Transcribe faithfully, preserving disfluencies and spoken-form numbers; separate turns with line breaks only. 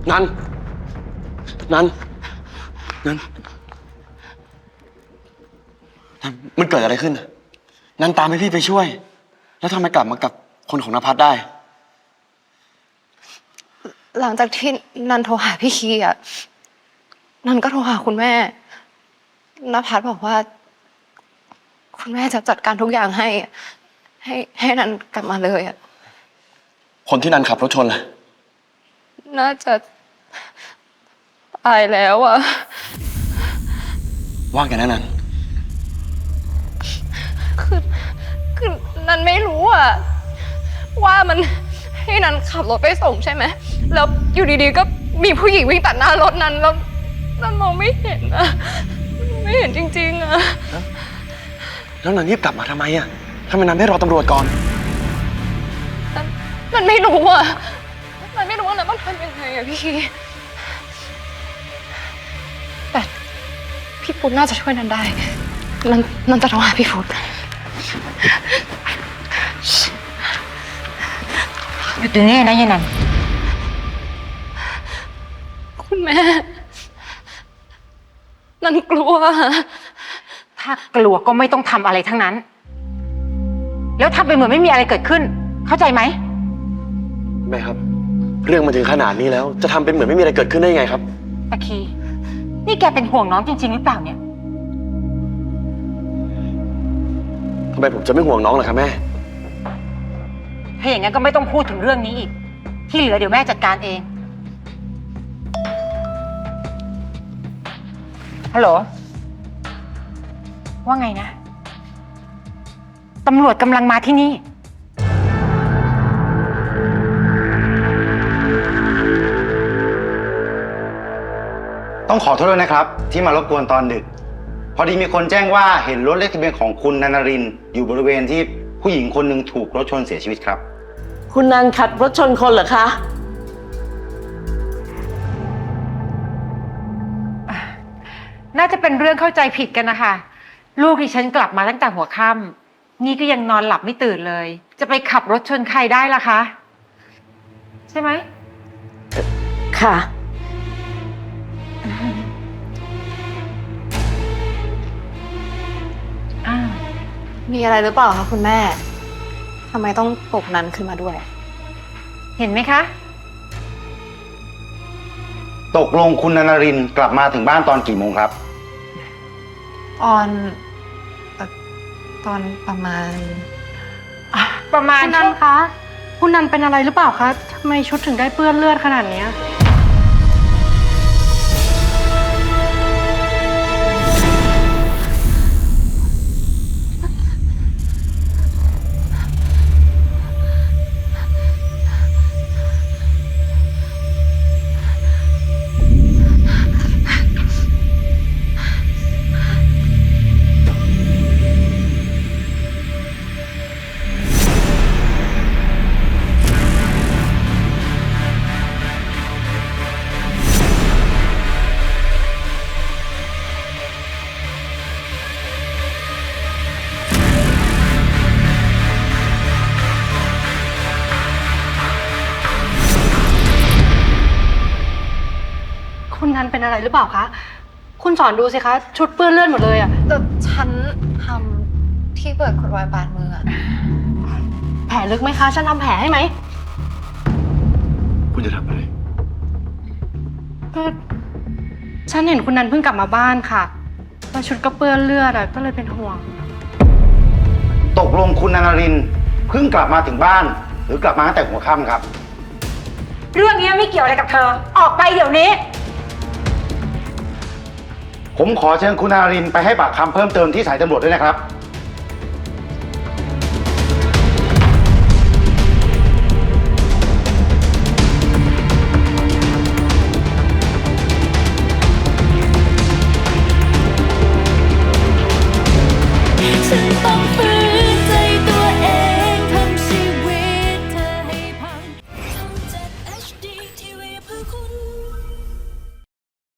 นันนันนันนันมันเกิดอะไรขึ้นนันตามให้พี่ไปช่วยแล้วทำไมกลับมากับคนของนภัสได้
หลังจากที่นันโทรหาพี่คีอ่ะนันก็โทรหาคุณแม่นภัสบอกว่าคุณแม่จะจัดการทุกอย่างให้ให้ให้นันกลับมาเลยอ่ะ
คนที่นันขับรถชนล่ะ
น่าจะตายแล้วอ่ะ
ว่าแกนะนัน
คือคือนันไม่รู้อ่ะว่ามันให้นันขับรถไปส่งใช่ไหมแล้วอยู่ดีๆก็มีผู้หญิงวิ่งตัดหน้ารถนันแล้วนันมองไม่เห็นอ่ะไม่เห็นจริงๆอ่ะ
แล้วนันรีบกลับมาทำไมอ่ะทำไมนันไม่รอตำรวจก่อน
นันนันไม่รู้อ่ะนันไม่รู้ว่านันต้องทำยังไงอ่ะพี่แต่พี่พุทธน่าจะช่วยนันได้นันนันจะโทรหาพี่พุทธ
หยุดตรงนี้นะยายนัน
คุณแม่นันกลัว
ถ้ากลัวก็ไม่ต้องทำอะไรทั้งนั้นแล้วทำไปเหมือนไม่มีอะไรเกิดขึ้นเข้าใจไหม
แม่ครับเรื่องมันถึงขนาดนี้แล้วจะทำเป็นเหมือนไม่มีอะไรเกิดขึ้นได้ยังไงครับ
ตะคีนี่แกเป็นห่วงน้องจริงๆหรือเปล่าเนี่ย
ทำไมผมจะไม่ห่วงน้องล่ะครับแม่
ถ้าอย่างนั้นก็ไม่ต้องพูดถึงเรื่องนี้อีกที่เหลือเดี๋ยวแม่จัดการเองฮัลโหลว่าไงนะตำรวจกำลังมาที่นี่
ต้องขอโทษด้วยนะครับที่มารบกวนตอนดึกพอดีมีคนแจ้งว่าเห็นรถเลขทะเบียนของคุณนันนรินทร์อยู่บริเวณที่ผู้หญิงคนหนึ่งถูกรถชนเสียชีวิตครับ
คุณนันขับรถชนคนเหรอคะ
น่าจะเป็นเรื่องเข้าใจผิดกันนะคะลูกดิฉันกลับมาตั้งแต่หัวค่ำนี่ก็ยังนอนหลับไม่ตื่นเลยจะไปขับรถชนใครได้ล่ะคะใช่ไหม
ค่ะ
มีอะไรหรือเปล่าคะคุณแม่ทำไมต้องปลุกนันขึ้นมาด้วย
เห็นไหมคะ
ตกลงคุณนันนรินทร์กลับมาถึงบ้านตอนกี่โมงครับ
ตอนตอนประมาณ
ประมาณ
คุณนันคะคุณนันเป็นอะไรหรือเปล่าคะทำไมชุดถึงได้เปื้อนเลือดขนาดนี้คุณนันเป็นอะไรหรือเปล่าคะคุณสอนดูสิคะชุดเปื้อนเลือดหมดเลยอะ
แต่ฉันทำที่เปิดขวดไวน์บาดมือ
แผลลึกไหมคะฉันทำแผลให้ไหม
คุณจะทำอะไร
ก็ฉันเห็นคุณนันเพิ่งกลับมาบ้านค่ะแล้วชุดก็เปื้อนเลือดอะก็เลยเป็นห่วง
ตกลงคุณนันนรินทร์เพิ่งกลับมาถึงบ้านหรือกลับมาตั้งแต่หัวค่ำครับ
เรื่องนี้ไม่เกี่ยวอะไรกับเธอออกไปเดี๋ยวนี้
ผมขอเชิญคุณนันนรินทร์ไปให้ปากคำเพิ่มเติมที่สายตำรวจด้วยนะครับ